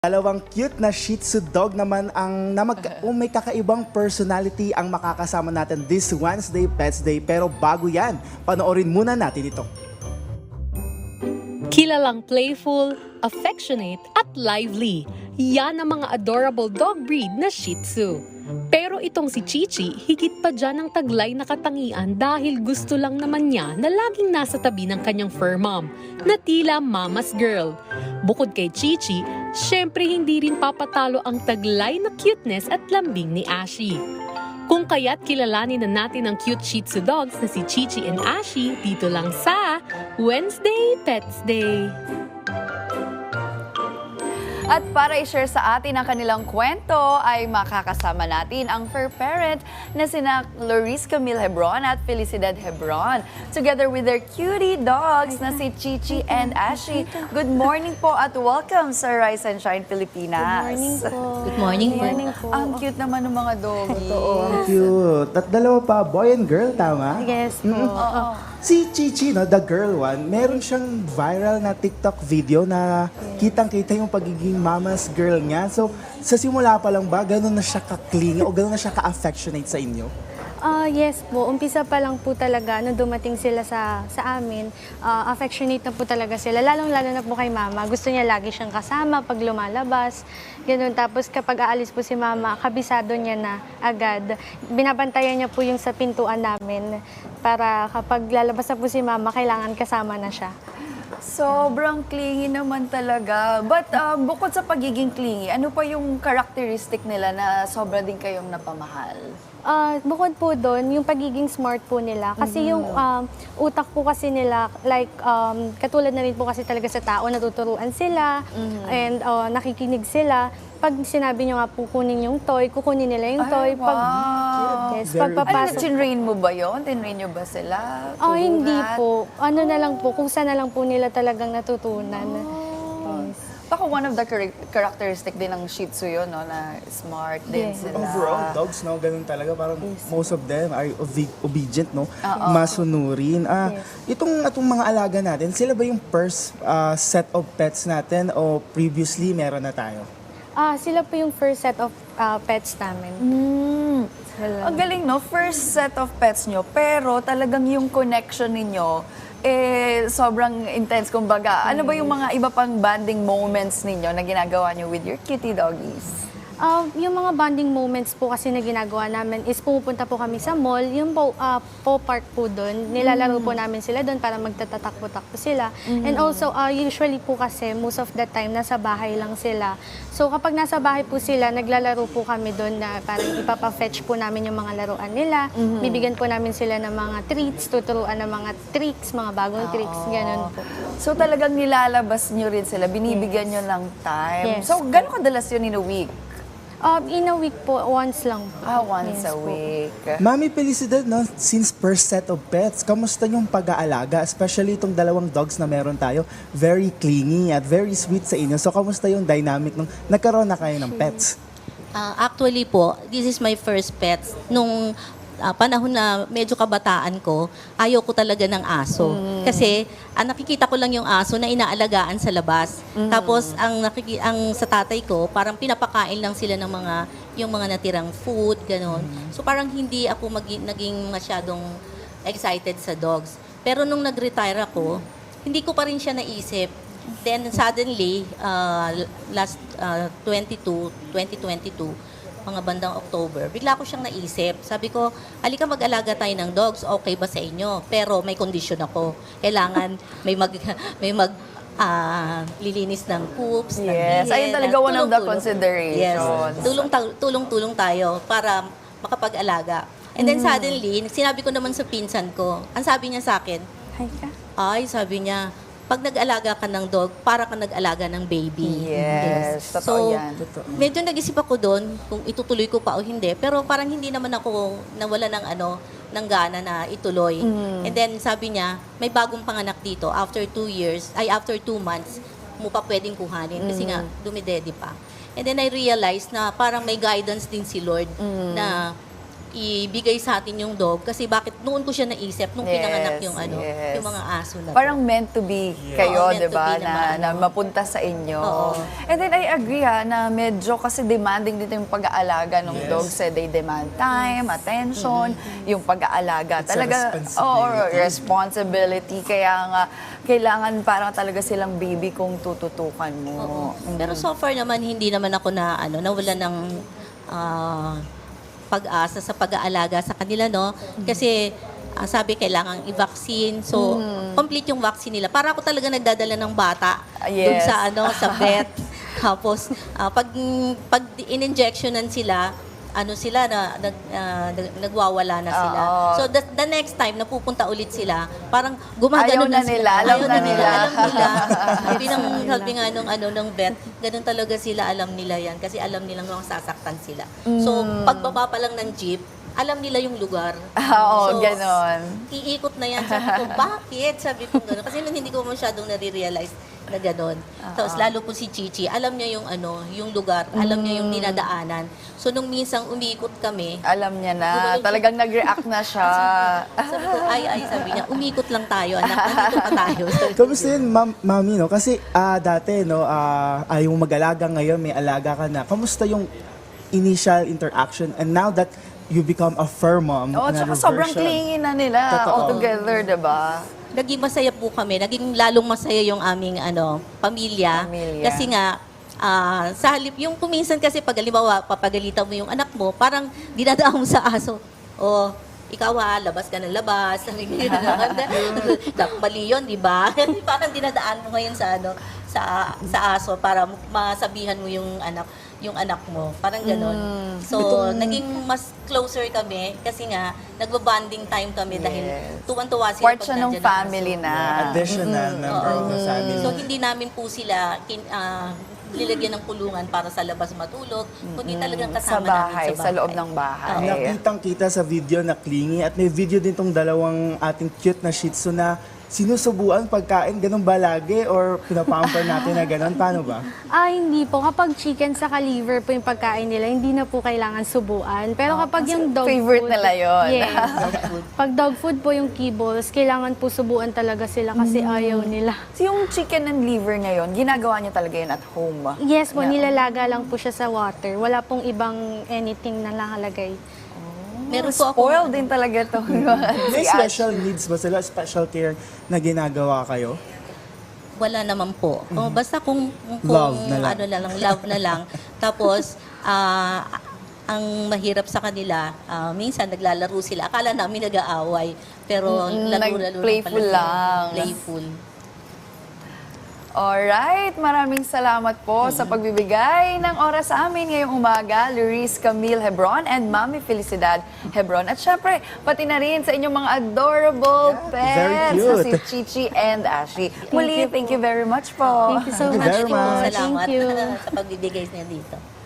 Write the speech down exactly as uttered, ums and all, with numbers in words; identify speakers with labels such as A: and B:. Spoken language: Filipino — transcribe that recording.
A: Dalawang cute na Shih Tzu dog naman ang na mag, oh, may kakaibang personality ang makakasama natin this Wednesday Pets Day. Pero bago yan, panoorin muna natin ito.
B: Kilalang playful, affectionate at lively. Yan ang mga adorable dog breed na Shih Tzu. Pero itong si Chichi, higit pa dyan ang taglay na katangian dahil gusto lang naman niya na laging nasa tabi ng kanyang fur mom, na tila mama's girl. Bukod kay Chichi, syempre hindi rin papatalo ang taglay na cuteness at lambing ni Ashi. Kung kaya't kilalanin na natin ang cute Shih Tzu dogs na si Chichi and Ashi dito lang sa Wednesday Pets Day.
C: At para i-share sa atin ang kanilang kwento ay makakasama natin ang fur parent na sina Loris Camille Hebron at Felicidad Hebron. Together with their cutie dogs na si Chichi and Ashi. Good morning po at welcome sa Rise and Shine Pilipinas.
D: Good morning po.
E: Good morning po.
D: Good morning po.
C: Ang cute naman ng mga doggies.
A: Oo, ang cute. At dalawa pa, boy and girl, tama?
D: Yes po.
C: Oo.
A: Si Chichi, no, the girl one, meron siyang viral na TikTok video na kitang-kita yung pagiging mama's girl niya. So, sa simula pa lang ba, gano'n na siya ka-clingy o gano'n na siya ka-affectionate sa inyo?
D: Ah, yes po. Umpisa pa lang po talaga nung dumating sila sa sa amin, ah, affectionate na po talaga sila. Lalong-lalo na po kay mama. Gusto niya lagi siyang kasama pag lumalabas. Ganun. Tapos kapag aalis po si mama, kabisado niya na agad. Binabantayan niya po yung sa pintuan namin para kapag lalabas na po si mama, kailangan kasama na siya.
C: Sobrang clingy naman talaga. But um, bukod sa pagiging clingy, ano pa yung characteristic nila na sobra din kayong napamahal?
D: Ah, bukod po doon, yung pagiging smart po nila. Kasi yung um, utak po kasi nila, like, um, katulad na rin po kasi talaga sa tao, natuturuan sila, and uh, nakikinig sila. Pag sinabi nyo nga po kunin yung toy, kukunin nila yung toy.
C: Ay,
D: Pag,
C: wow.
D: yes,
A: Very-
C: Ano,
D: pagpapasok.
C: tinrain mo ba yun? Tinrain nyo ba sila?
D: Oh, hindi
C: Turuan?
D: po. Ano na lang po, kung saan na lang po nila talagang natutunan. Yes.
C: Baka one of the char- characteristic din ng Shih Tzu yun, no? Na smart din
D: Yeah.
C: sila.
A: Overall, dogs, no, ganun talaga. Parang most of them are obe- obedient, no?
C: Oo.
A: Masunurin. Ah,
D: Yes.
A: Itong, itong mga alaga natin, sila ba yung first ah, set of pets natin o previously meron na tayo?
D: Ah, sila po yung first set of ah, pets namin.
C: Mm.
D: Sila.
C: Ang galing, no? First set of pets nyo, pero talagang yung connection ninyo, eh, sobrang intense, kumbaga. Ano ba yung mga iba pang bonding moments ninyo na ginagawa nyo with your cutie doggies?
D: Ah, yung mga bonding moments po kasi na ginagawa namin is pumupunta po kami sa mall, yung po, ah, po park po doon, nilalaro po namin sila doon para magtatatakbo-takbo sila. And also, ah, usually po kasi most of the time nasa bahay lang sila. So kapag nasa bahay po sila, naglalaro po kami doon na parang ipapa-fetch po namin yung mga laruan nila. Bibigyan po namin sila ng mga treats, tuturuan ng mga tricks, mga bagong tricks, ganun po.
C: So talagang nilalabas nyo rin sila, binibigyan nyo ng time.
D: Yes.
C: So gano'ng kadalas yun in a week?
D: Ah, in a week po, once lang po.
C: Ah, once
D: Yes
C: a
D: po.
C: week.
A: Mami Felicidad, no, since first set of pets, kamusta yung pag-aalaga? Especially itong dalawang dogs na meron tayo, very clingy at very sweet sa inyo. So, kamusta yung dynamic nung nagkaroon na kayo ng pets?
E: Ah, actually po, this is my first pets. Nung ah, panahon na medyo kabataan ko, ayaw ko talaga ng aso. Kasi ang nakikita ko lang yung aso na inaalagaan sa labas. Tapos ang nakiki ang sa tatay ko, parang pinapakain lang sila ng mga yung mga natirang food, gano'n. So parang hindi ako magi- naging masyadong excited sa dogs. Pero nung nag-retire ako, hindi ko pa rin siya naisip. Then suddenly, uh, last uh, twenty-two, twenty twenty-two, mga bandang October, bigla ko siyang naisip. Sabi ko, halika mag-alaga tayo ng dogs, okay ba sa inyo? Pero may kondisyon ako. Kailangan may mag may mag ah, lilinis ng poops, ng
C: Yes,
E: bihin,
C: ayun talaga
E: ng
C: one of the
E: tulong-tulong.
C: considerations.
E: Yes, tulong tulong-tulong tayo para makapag-alaga. And then suddenly, sinabi ko naman sa pinsan ko, ang sabi niya sa akin,
D: Hi ka.
E: ay, sabi niya, pag nag-alaga ka ng dog, para ka nag-alaga ng baby.
C: Yes, totoo
E: So,
C: yan.
E: medyo nag-isip ako doon kung itutuloy ko pa o hindi. Pero parang hindi naman ako nawala ng ano, ng gana na ituloy. And then sabi niya, may bagong panganak dito after two years, ay after two months, mo pa pwedeng kuhanin kasi nga dumidede pa. And then I realized na parang may guidance din si Lord na ibigay sa atin yung dog kasi bakit noon ko siya naisip nung
C: Yes,
E: pinanganak yung ano,
C: yes.
E: yung mga aso na to.
C: Parang meant to be kayo,
E: Oo, meant
C: di
E: to
C: ba?
E: be na
C: Na,
E: maano.
C: na mapunta sa inyo.
E: Oo.
C: And then I agree ha, na medyo kasi demanding dito yung pag-aalaga ng
A: Yes.
C: dogs. Eh, they demand time, attention, yung pag-aalaga.
A: It's a
C: Talaga,
A: responsibility.
C: oo, responsibility. Kaya nga, kailangan parang talaga silang baby kung tututukan mo.
E: Oo. Pero so far naman hindi naman ako na ano nawala ng ah, pag-asa sa pag-aalaga sa kanila no kasi ah, sabi kailangan i-vaccine so complete yung vaccine nila para ako talaga nagdadala ng bata
C: Ah,
E: dun
C: yes.
E: sa ano sa vet tapos ah, pag pag in-injectionan sila ano sila na nag, ah, nag- nagwawala na sila.
C: Oo.
E: So the, the next time na pupunta ulit sila, parang gumagano
C: Ayaw na
E: sila.
C: nila, alam
E: Ayaw
C: na nila.
E: Alam nila. Sabi ng sabi nga nung ano ng vet, ganun talaga sila alam nila yan kasi alam nilang masasaktan sila. So pagbaba pa lang ng jeep, alam nila yung lugar.
C: Oo,
E: So,
C: ganon.
E: Iikot na yan. Sabi ko, bakit? Sabi ko gano'n. Kasi nun hindi ko masyadong nare-realize na gano'n. Tapos lalo po si Chichi, alam niya yung ano, yung lugar, alam niya yung dinadaanan. So nung minsang umiikot kami,
C: Alam niya na,
E: Gumaling-
C: talagang nag-react na siya.
E: sabi ko, ay, ay, sabi niya, umikot lang tayo, anak, nandito pa tayo. Sabi ko,
A: Kamusta yun, ma'am, mami, no? Kasi ah, dati, no, ah, ayaw mo mag-alaga, ngayon may alaga ka na. Kamusta yung initial interaction and now that you become a fur mom,
C: Oo,
A: another
C: tsaka sobrang
A: version.
C: clingy na nila
A: Totoo.
C: all together, diba?
E: naging masaya po kami, naging lalong masaya yung aming ano, pamilya.
C: Pamilya.
E: Kasi nga, ah, sa halip, yung kuminsan kasi pag halimbawa, papagalitan mo yung anak mo, parang dinadaan mo sa aso. O, ikaw ha, labas ka ng labas. Sabi ko, dapat mali yun, di ba? Parang dinadaan mo ngayon sa ano, sa sa aso para masabihan mo yung anak yung anak mo. Parang ganon. So, naging mas closer kami kasi nga, nagbabanding time kami dahil
C: Yes.
E: tuwan-tuwa sila
C: Part
E: pag
C: siya ng
E: nandyan ang
C: family
E: aso.
C: na.
A: Additional member of the family.
E: So, hindi namin po sila kin, ah, nilagyan ng kulungan para sa labas matulog, kundi talagang
C: Sa
E: kasama
C: bahay,
E: namin
C: sa loob ng bahay.
A: Nakitang-kita sa video na clingy at may video din tong dalawang ating cute na Shih Tzu na sinusubuan pagkain. Ganun ba lagi? Or pinapamper natin na ganun? Paano ba?
D: Ah, hindi po. Kapag chicken sa liver po yung pagkain nila, hindi na po kailangan subuan. Pero kapag yung dog
C: favorite
D: food...
C: nila yun.
D: Yes. Pag dog food po yung kibbles, kailangan po subuan talaga sila kasi ayaw nila.
C: So, yung chicken and liver ngayon, ginagawa niyo talaga yun at home?
D: Yes po,
C: Yeah.
D: nilalaga lang po siya sa water. Wala pong ibang anything na nakalagay.
E: Meron po ako
C: Spoiled din talaga to.
A: May
C: Si Ash.
A: special needs ba sila? Special care na ginagawa kayo?
E: wala naman po. Kung basta kung, kung
A: Love na lang.
E: ano na lang, love na lang. Tapos ah, ang mahirap sa kanila, ah, minsan naglalaro sila. Akala namin nag-aaway, pero
C: Mm,
E: laro-laro
C: nag-playful
E: pala sila.
C: lang.
E: Playful.
C: Alright, maraming salamat po sa pagbibigay ng oras sa amin ngayong umaga, Luis Camille Hebron and Mami Felicidad Hebron. At syempre, pati na rin sa inyong mga adorable pets
A: very
C: na
A: cute.
C: si Chichi and Ashley. Muli,
D: you
C: thank
D: po.
C: you very much po.
D: Thank you so
A: Thank you
D: much
A: very
D: po.
A: much.
E: Salamat
D: Thank you.
E: sa pagbibigay niya dito.